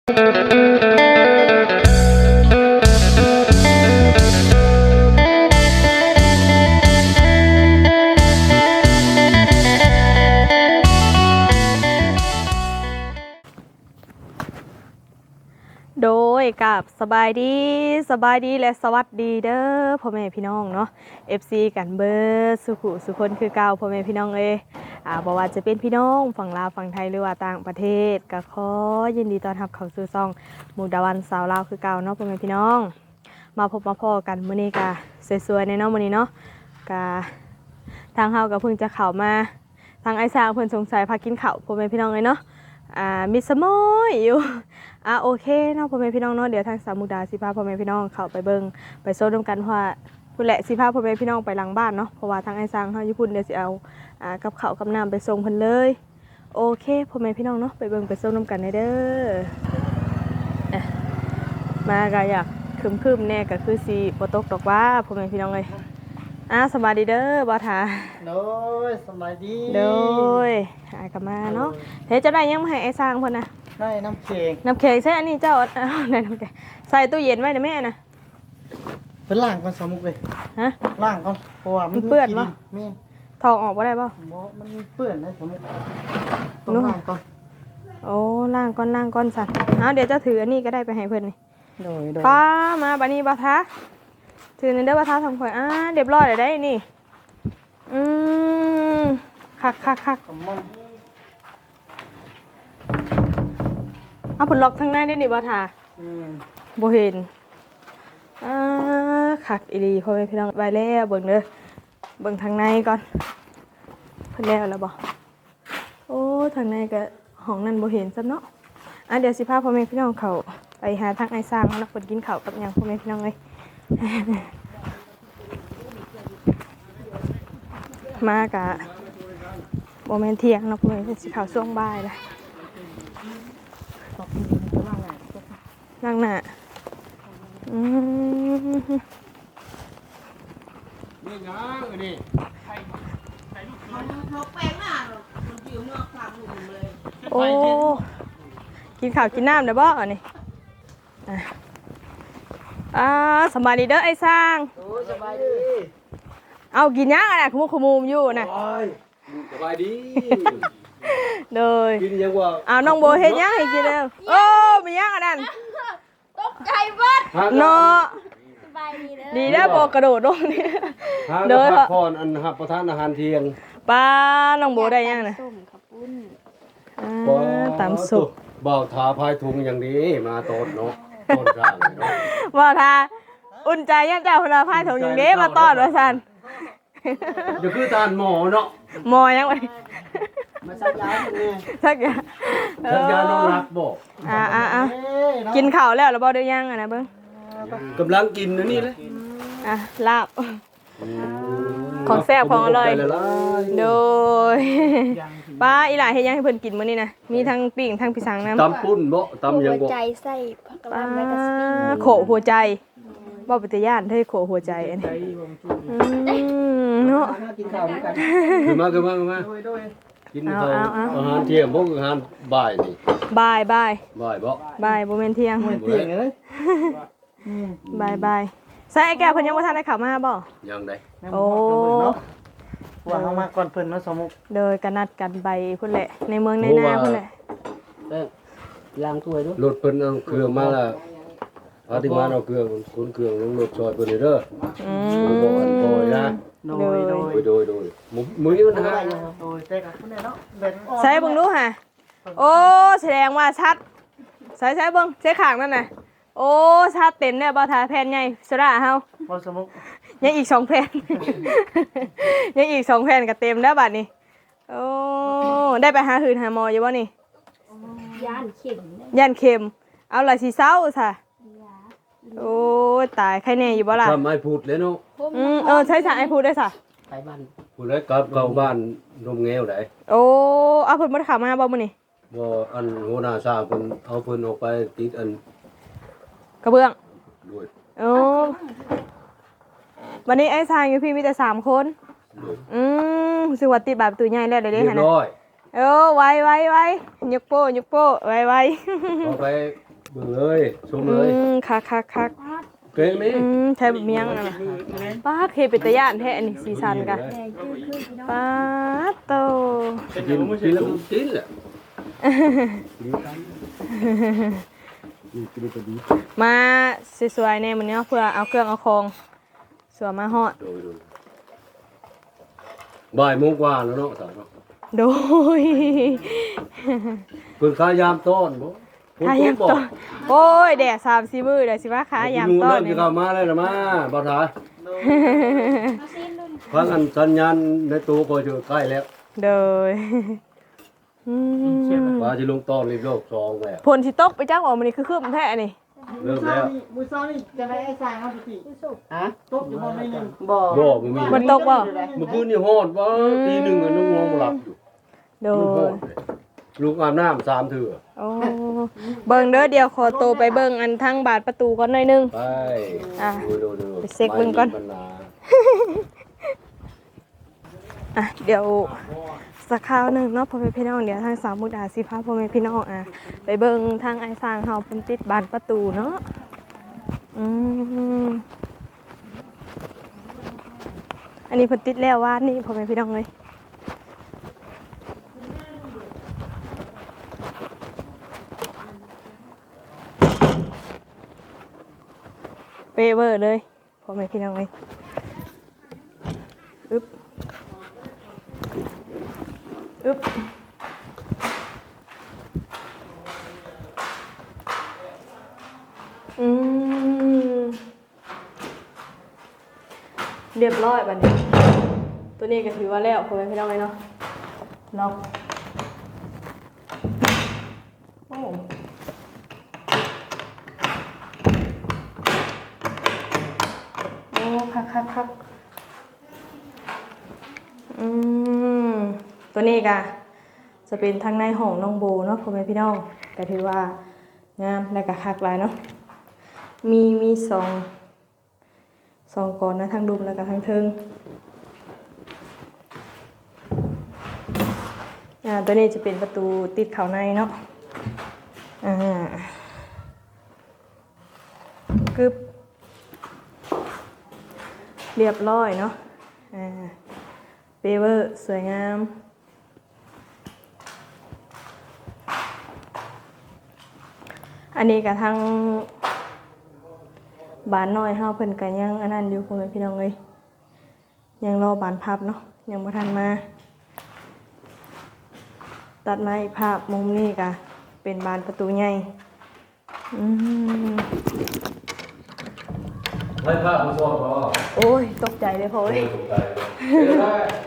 โดยกับสบายดีและสวัสดีเด้อพ่อแม่พี่น้องเนาะ FC กันเบอร์สุขุสุคนคือเก่าพ่อแม่พี่น้องบ่ว่าจะเป็นพี่น้องฝั่งลาวฝั่งไทยหรือว่าต่างประเทศก็ขอยินดีต้อนรับเข้าสู่ช่องมุกดาวันสาวลาวคือเก่าเนาะพ่อแม่พี่น้องมาพบมาพ้อกันมื้อนี้ก็สวยๆในเนาะมื้อนี้เนาะก็ทางเฮาก็เพิ่งจะเข้ามาทางไอ้สร้างเพิ่นสงสัยพากินข้าวพ่อแม่พี่น้องเลยเนาะมีสมอยอยู่โอเคเนาะพ่อแม่พี่น้องเนาะเดี๋ยวทางสามมุกดาสิพาพ่อแม่พี่น้องเข้าไปเบิ่งไปโซนร่วมกันว่าพุ่นแหละสิพาพ่อแม่พี่น้องไปหลังบ้านเนาะเพราะว่าทางไอ้สร้างเฮาอยู่พุ่นเดี๋ยวสิเอากับข้าวกับน้ำไปส่งเพิ่นเลยโอเคพ่อแม่พี่น้องเนาะไปเบิ่งไปโซนร่วมกันเด้อมาก็อยากคึมๆแน่ก็คือสิบ่ตกดอกว่าพ่อแม่พี่น้องเอ้ยสบายดีเด้อบ่ทาโดยสบายดีโดยกลับมาเนาะเฮ้ยจะได้ยังมาให้ไอ้สร้างเพิ่นน่ะได้น้ำแข็งใช่อันนี้เจ้าได้น้ำแข็งใส่ตู้เย็นไว้นะแม่น่ะเป็นล่างก่อนสมุกเลยฮะล่างก่อนเพราะว่ามันเปื้อนบ่แม่ถอดออกบ่ได้บ่มันเปื้อนนะสมุกต้องล่างก่อนโอ้ล่างก่อนสั่นเดี๋ยวจะถืออันนี้ก็ได้ไปให้เพิ่นนี่โดยป้ามาบัดนี้บ่ทาถือในเด้อบ่ทาทำข่อยเรียบร้อยแล้วได้นี่คักเอาผลล็อกทางในได้นี่บ่ทาบ่เห็นคักอีหลีพ่อแม่พี่น้องไว้แล้วเบิ่งเด้อเบิ่งทางในก่อนเพิ่นแล้วบ่โอ้ทางในก็ห้องนั้นบ่เห็นซะเนาะเดี๋ยวสิพาพ่อแม่พี่น้องเข้าไปหาทางไอ้สร้างเนาะเพิ่นกินข้าวกับหยังพ่อแม่พี่น้องเอ้ยมากะโมเมนเที่ยงเนาะพ่อแม่สิเข้าช่วงบ่ายละนั่งหน้านี่นะนี่โอ้กินข้าวกินน้ำได้บ่อันนี้สบายดีเด้อไอ้สร้างสบายดีเอากินยังอ่ะขมุมอยู่น่ะสบายดีเลยกินยังว่าน้องโบเฮ็ดยังให้กินแล้วมียังอันนั้นตกใจเบิดเนาะสบายดีดีแล้วโบกระโดดลงนี่เด้อพักผ่อนอันรับประทานอาหารเที่ยงป้าน้องโบได้ยังน่ะส้มขับปุ้นตามสุกบ่าวทาพายถุงอย่างนี้มาต้นเนาะต้นกลางเนาะบ่าวทาอุ่นใจยังเจ้าคนละพายถุงอย่างนี้มาต้อนว่าซั่นเดี๋ยวคือทานหมอเนาะหมอยังไงมาสักยาเนี่ยสักยาน้องรักบอกกินข้าวแล้วบ่ได้ยังนะเบิ่งกำลังกินนะนี่เลยลาบของแซ่บของอร่อยโดยป้าอีหล่าเฮ็ดยังให้เพิ่นกินมื้อนี้นะมีทั้งปิ้งทั้งพิซังน้ำตำปุ้นบ่ตำยังบ่หัวใจใส่ผักกะหล่ำและกระสปิ้งโขหัวใจบ่เป็นตาย่านเท่โขหัวใจอันนี้เนาะกินข้าวกันขึ้นมากินข้าวอาหารเที่ยงบ่อาหารบ่ายนี่บ่ายบ่บ่ายบ่แม่นเที่ยงเลยบ่ายใส่ไอ้แก้วเพิ่นยังบ่ทันได้เข้ามาบ่ยังได้โอ้ว่าเฮามาก่อนเพิ่นเนาะสมุกเด้อก็นัดกันไปพุ่นแหละในเมืองในนาพุ่นแหละล้างถ้วยด้วยรถเพิ่นเอาเครื่องมาแล้วอาติมาเอาเครื่องคนเครื่องลงรถซอยเพิ่นเด้อบ่อันพอยนะโดยมื้อนี้มันหาโดยแต่ก็เนาะใส่เบิ่งดูห่โอ้แสดงว่าชัดใส่เบิ่งใส่ข้างนั่นน่ะโอ้ชัดเต็มเนี่ยบ่ทาแผ่นใหญ่สระเฮาบ่สมุกยังอีก2แผ่นยังอีก2แผ่นก็เต็มแล้วบัดนี้โอ้ได้ไปหาหืนหาหมออยู่บ่นี่ย่านเข็มเอาล่ะสิเซาซะโอ้ตายใครแน่อยู่บ่ล่ะทำไอ้พูดเลยเนาะใช่ไอ้พูดได้ซะไปบ้านพูดได้กลับเข้าบ้านนมแงวได้โอ้เอาเพิ่นบ่ได้เข้ามาบ่มื้อนี้บ่อันหัวหน้าชาเพิ่นเอาเพิ่นออกไปติดอันกระเบื้องด้วยวันนี้ไอ้ทางอยู่พี่มีแต่3คนสิว่าติดแบบตัวใหญ่แล้วได้หั่นน่ะไว้ยกโป้ไว้เอาไปเบิ่งเลยชมเลยคักเก่งนี่แทบเมียงน่ะป้าเคเป็นตะย่านแท้อันนี้สีสันกะแดงคือพี่น้องป้าโตกินแล้วมันกินแหละมาสวยๆเนี่ยมันเนี้ยเพื่อเอาเครื่องเอาของสวยมาฮอดโดยบ่ายโมงกว่าแล้วเนาะสาวเนาะโดยเพิ่นขายามต้อนบ่ขายามต้อนโอ้ยแดด3-4มื้อเดี๋ยวสิว่าขายามต้อนนี่นี่เข้ามาเลยนะมาบ่ทามาซิมนุ่นฟังอันสัญญาณในตู้ก็จะใกล้แล้วโดยว่าสิลงต้อนรีบโลก2แล้วผลสิตกไปจักว่ามันนี่คือคืบแท้นี่เริ่มแล้วมือซ้ายนี่จะได้ไอ้สายครับพี่คือสุกฮะตบอยู่บ่ไม่นึงบ่บ่บ่มีมันตกบ่เมื่อคืนนี่ฮอดว่าตีหนึ่งอะน้องบ่หลับอยู่โดมันฮยอดเลยลูกอาบน้ำ3เทื่อโอ้เบิ่งเด้อเดี๋ยวขอโตวไปเบิ่งอันทางบาดประตูก่อนหน่อยหนึงไปอ่ะดูไปเช็คเบิ่งก่อนไม่มีปัญหาอ่ะเดี๋ยวสักคราวหนึงเนาะพ่อแม่พี่น้องเดี๋ยวทางสาวมุกดาสิพาพ่อแม่พี่น้องไปเบิ่งทางไอ้สร้างเฮาเพิ่นติดบานประตูเนาะอันนี้เพิ่นติดแล้ววานนี้พ่อแม่พี่น้องเลยเปเวอร์เลยพ่อแม่พี่น้องเลยอึ๊บอึ๊บเรียบร้อยบัดนี้ตัวนี้ก็ถือว่าแล้วพ่อแม่พี่น้องเลยเนาะล็อกโอ้โอ้คักตัวนี้ก็จะเป็นทางในห้องน้องโบเนาะพ่อแม่พี่น้องก็ถือว่างามและก็คักหลายเนาะมีสองก่อนนะทางดุมแล้วก็ทางเทิงตัวนี้จะเป็นประตูติดเข้าในเนาะกึบเรียบร้อยเนาะเปเวอร์สวยงามอันนี้กับทางบ้านน้อยเฮาเพิ่นก็ยังอันนั้นอยู่พ่อแม่พี่น้องเอ้ยยังรอบานพับเนาะยังบ่ทันมาตัดมาอีกภาพมุมนี้ก็เป็นบานประตูใหญ่ให้ภาพผู้ชมพอโอ้ยตกใจเลยพ่อเอ้ยตกใจเลย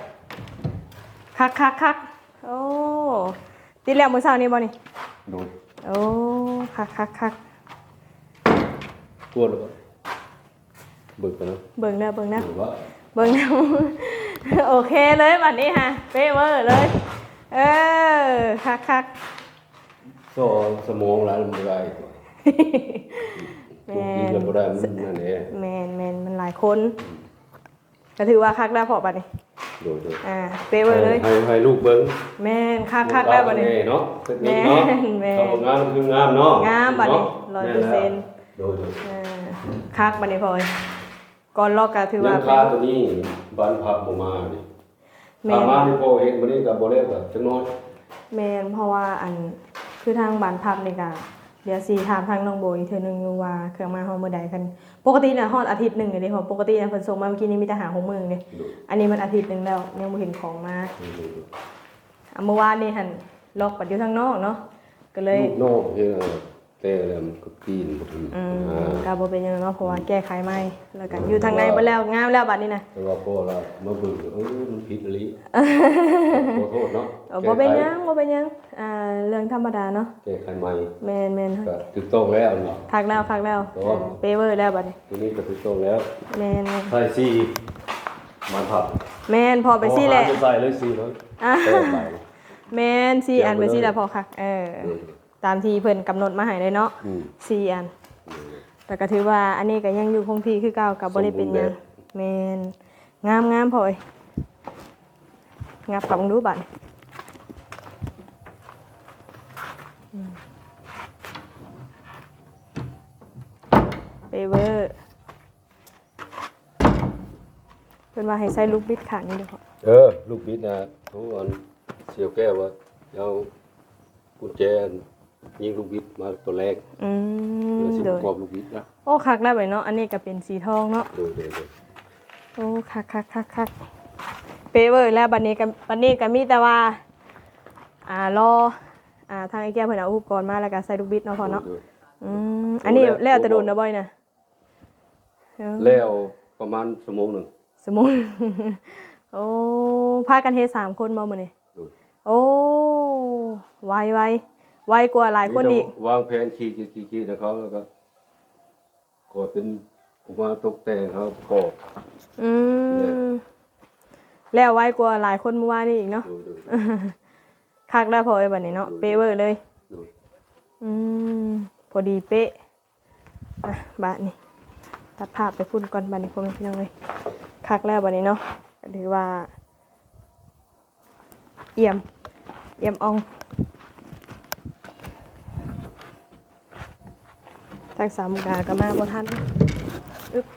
คักโอ้ติดแล้วมื้อเช้านี้บ่นี่ดูโอ้คักกวนหรือเปล่าเบิกกันนะเบิ่งเด้อเบิ่งนะหรือว่าเบิ่งนะ โอเคเลยบัดนี้ฮะเป๊ะเวอร์เลยคักก็สมองแล้วมันได้แมกินนแล้วบ่ได้มันนั่นเองแมนมันหลายคนก็ถือว่าคักได้พอบัดนี้โดยเป๊ะเวอร์เลยให้ลูกเบิ่งแมนคักได้บัดนี้เนาะเทคนิคเนาะแม่นทำงานคืองามเนาะงามบัดนี้เนาะ 100% โดยคักบัดนี้พอยก่อนลอกก็ถือยัว่างค่าตัวนี้บ้านพับบ่มานี่แมถ้าน มาที่พ่อเฮ็ดมื้อนี้ก็บ่ได้ก็จังน้อยแมนเพราะว่าอันคือทางบ้านพักนี่ก็เดี๋ยวสิถามทางน้องโบอีกเทื่อนึงอยู่ว่าเครื่องมาฮอดมื้อใดกันปกติน่ะฮอดอาทิตย์หนึงเด้เพราะปกติน่ะเพิ่นส่งมาเมื่อกี้นี้มีแต่หา6มื้อเด้อันนี้มันอาทิตย์หนึงแล้วยังบ่เห็นของมาเมื่อวานนี่หั่นล็อกปัดอยู่ทางนอกเนาะก็เลยลูกน้องเฮ็ดแต่แล้วมันก็ปีนบ่ถึงก็บ่เป็นหยังเนาะเพราะว่าแก้ไขใหม่แล้วก็อยู่ทางในเบิดแล้วงามแล้วบัดนี้น่ะแต่ว่าพ่อเรามาเบิ่งมันผิดอีหลีขอโทษเนาะบ่เป็นหยังเรื่องธรรมดาเนาะแก้ไขใหม่แม่นก็ถูกต้องแล้วนี่คักแล้วเปเวอร์แล้วบัดนี้ตัวนี้ก็ถูกต้องแล้วแม่นใส่สีมันผับแม่นพอไปซี่แหละจะใส่เลยสีเลยแม่นซี่อันไปซี่แล้วพอคักตามที่เพิ่นกำหนดมาให้เลยเนาะซี่อันแต่ก็ถือว่าอันนี้ก็ยังอยู่คงที่คือเก่ากับบ่ได้เป็นหยังแม่นงามพอยงับกับมึงดูบัดเปเวอร์เป็นว่าให้ใส่ลูกบิดขางนี่เด้อพ่อลูกบิดนะทุกอันเสียวแก้วว่าเอากุญแจยิงลูกบิดมาตัวแรก สิโดปยระกอบลูกบิดนะโอ้คักได้ไปเนาะอันนี้ก็เป็นสีทองเนาะโดยโอ้คักเปเวอร์แล้วบัดนี้ก็มีแต่ว่ารอทางไอ้แก้วเพิ่นเอาอุปกรณ์มาแล้วก็ใส่ลูกบิดเนาะพ่อเนาะอันนี้แล้วแต่โดนนะบ่อยนะแล้วประมาณชั่วโมงหนึ่งสมมุติ โอ้พากันเฮ็ด3คนบ่มื้อนี้โดยโอ้ไวกว่าหลายคนอีกวางแผนขี่นะเขาแล้วก็ก่อเป็นผมว่าตกแต่งเขาประกอบแล้วไวกว่าหลายคนเมื่อวานนี้อีกเนาะโดยคักได้พอไอ้บัดนี้เนาะเป๊ะเวอร์เลยโดยพอดีเป๊ะบาดนี้ตัดภาพไปพุ่นก่อนบัดนี้พ่อแม่พี่น้องเลยคักแล้วบัดนี้เนาะก็ถือว่าเอี่ยมอ่องทางสามมุกดาก็มาบ่ทันอึ๊บ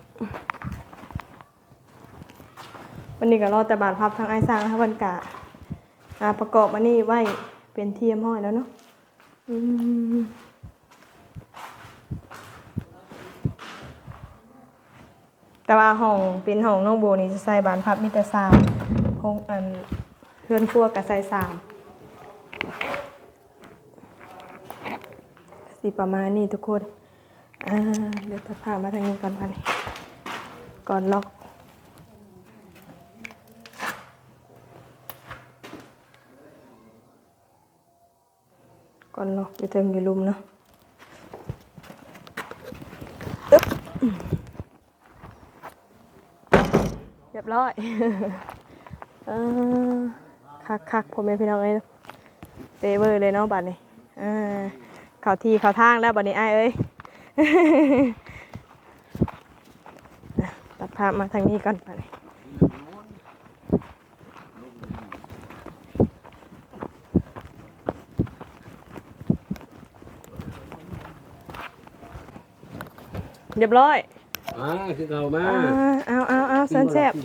วันนี้ก็รอแต่บาดพับทางไอ้สร้างค่ะวันกะประกอบอันนี้ไว้เป็นเทียมห้อยแล้วเนาะแต่ว่าห้องเป็นห้องน้องโบนี่จะใส่บานพับมีแต่3ห้องเฮือนครัวก็ใส่3สิประมาณนี้ทุกคนเดี๋ยวตัดภาพมาทางนี้ก่อนค่ะนี่ก่อนล็อกอยู่เทิงอยู่ลุมเนาะเรียบร้อย คักพ่อแม่พี่น้องเอ้ยเตเวอร์เลยเนาะบัดนี้เข้าที่เข้าทางแล้วบัดนี้อ้ายเอ้ย ตัดภาพมาทางนี้ก่อนบัดนี้เรียบร้อยคือเอามาเอาสันแซ่บ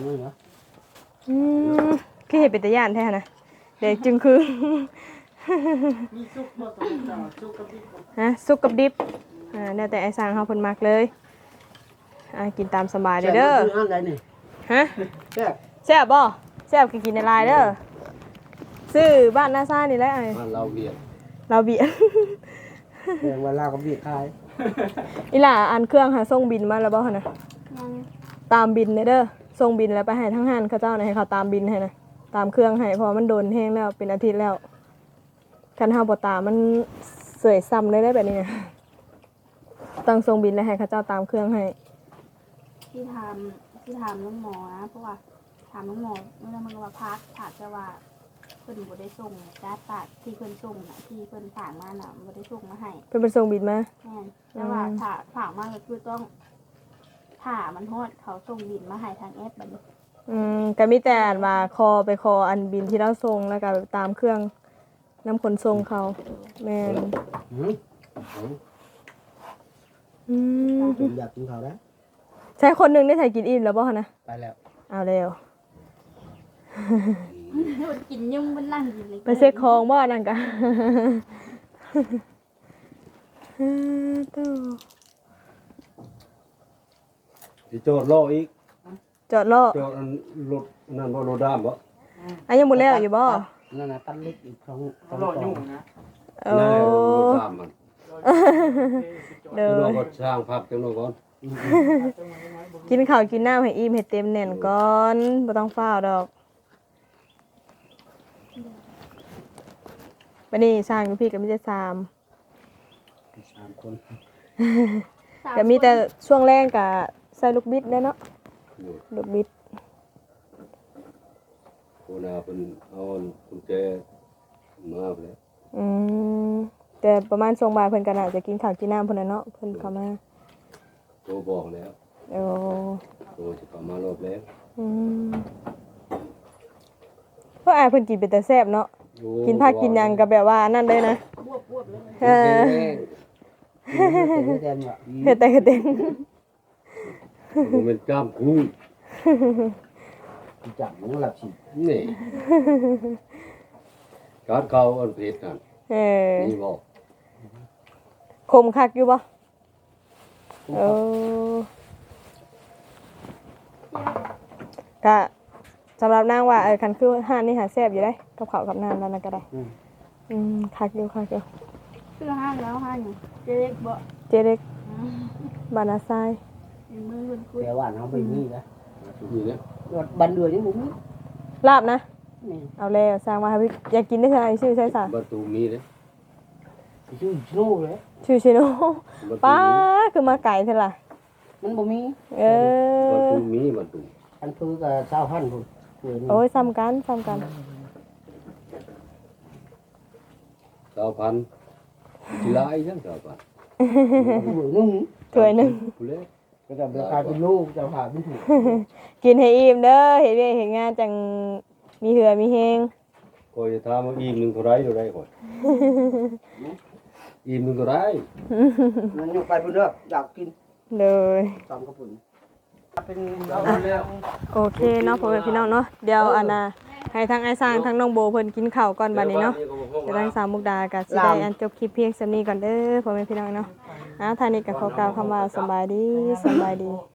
คือเห็นเป็นตะย่านแท้นะเด็กจึงคือมีซุปบ่ต้องจ่าซุปกับดิบซุปกับดิบเนี่ยแต่ไอ้สร้างเขาเพิ่นมักเลยกินตามสบายเด้ออันใดนี่ฮะแซ่บแซ่บบ่แซ่บกินในลายเด้อซื้อบ้านนาซ่านี่แหละไอ้บ้านเราเบียดเราเบียดแพงเวลากับดิบขายอีหล่าอันเครื่องหาส่งบินมาแล้วบ่หั่นน่ะตามบินเด้อส่งบินแล้วไปให้ทั้งห้านเขาเจ้าน่ะให้เขาตามบินให้นะตามเครื่องให้เพราะมันโดนแห้งแล้วเป็นอาทิตย์แล้วคันเฮาบ่ตามมันเสยซ้ำเลยได้แบบนี้นะต้องส่งบินแล้วให้เขาเจ้าตามเครื่องให้ที่ถามน้องหมอนะเพราะว่าถามน้องหมอเมื่อมันก็มาพักถามแต่ว่าเพิ่นบ่ได้ส่งการ์ดปากที่เพิ่นส่งน่ะที่เพิ่นฝากมาน่ะบ่ได้ส่งมาให้เพิ่นไปส่งบินมาแม่นแต่ว่าฝากมาก็คือต้องถ้ามันฮอดเขาส่งบินมาให้ทางแอปบัดนี้ก็มีแต่อ่านว่าไปคออันบินที่เราส่งแล้วก็ตามเครื่องน้ำขนส่งเขาแม่นผมอยากกินข้าวแล้วใช้คนหนึงได้ถ่ายกินอิ่มแล้วบ่คะนะไปแล้วเอาแล้วกินยุ่งมันนั่งกินเลยไปเช็คของบ่นั่นกะสิโจทย์ล่ออีกจอดล้อโจทย์อันรถนั่นบ่รถด้ามบ่ยังบ่แล้วอยู่บ่นั่นน่ะตันเล็กอีก2 หลอดยุ่งนะโอ้นั่นรถด้ามมันเด้เราอก็สร้างภาพจังโน่ก่อนกินข้าวกินน้ำให้อิ่มให้เต็มแน่นก่อนบ่ต้องฟ้าวดอกบัดนี้สร้างอยู่พี่ก็มีแต่3 3คนก็มีแต่ช่วงแรกก็ใส่ลูกบิดได้เนาะลูกบิดโคนาเพิ่นเอากุญแจมาไปแล้วแต่ประมาณช่วงบ่ายเพิ่นก็น่าจะกินข้าวกินน้ำเพิ่นน่ะเนาะเพิ่นเข้ามาโทรบอกแล้วโอ้โทรสิเข้ามารอบแล้วเพราะอายเพิ่นกินเป็นแต่แซ่บเนาะกินผักกินหยังก็แบบว่านั่นเลยนะบวบเลยเออเฮ็ดแดนว่ะเฮ็ดแต่เฮ็ดเต็มบ่แม่นกล้ามคุ้งจับมันหลับสินี่การเข้าอันเพชรนั่นเออนี่บ่คมคักอยู่บ่เออก็สำหรับนางว่าคันคือห้านนี่หาแซ่บอยู่ได้กับข้าวกับน้ำนั่นน่ะก็ได้คักอยู่คักอยู่คือห้างแล้วห้างอยู่เจ๊เล็กบ่เจเล็กบานาไซายเป็นมือคนคุยแต่ว่าน้องไปนี่นะนี่นะรถบันเดือนนี่บุ้มลาบนะนี่เอาแล้วสร้างมาให้พี่อยากกินได้ใช่ไหมชื่อใช่สะประตูมีเด้ชื่อโน่เลยชื่อชิโนประตูป้ามีคือมาไก่เท่าล่ะมันบ่มีเอประอตูมีประตูอันคือกับเจ้าหันพุ่นโอ้ยซ้ำกันซ้ำกัน 2,000สิหลายจัง2,000 นุ่งถ้วยหนึงผู้เล็กก็จะราคาเป็นลูกจะผ่าไม่ถูกกินให้อิ่มเด้อเห็นเวียกเห็นงานจังมีเหือมีเฮงคอยจะถามว่าอิ่มหนึงเท่าไรข่อยอิ่มหนึงเท่าไรมันยกไปพุ่นเด้ออยากกินเลยตามกระปุ่นเป็นเอาแล้วโอเคเนาะพ่อแม่พี่น้องเนาะเดี๋ยวอันน่ะให้ทั้งไอ้สร้างทั้งน้องโบเพิ่นกินข้าวก่อนบัดนี้เนาะจะทั้งสามมุกดากับสิได้อันจบคลิปเพียงส่ำนี้ก่อนเด้อพ่อแม่พี่น้องเนาะทางนี้ก็ขอกล่าวคำว่าสำบายดี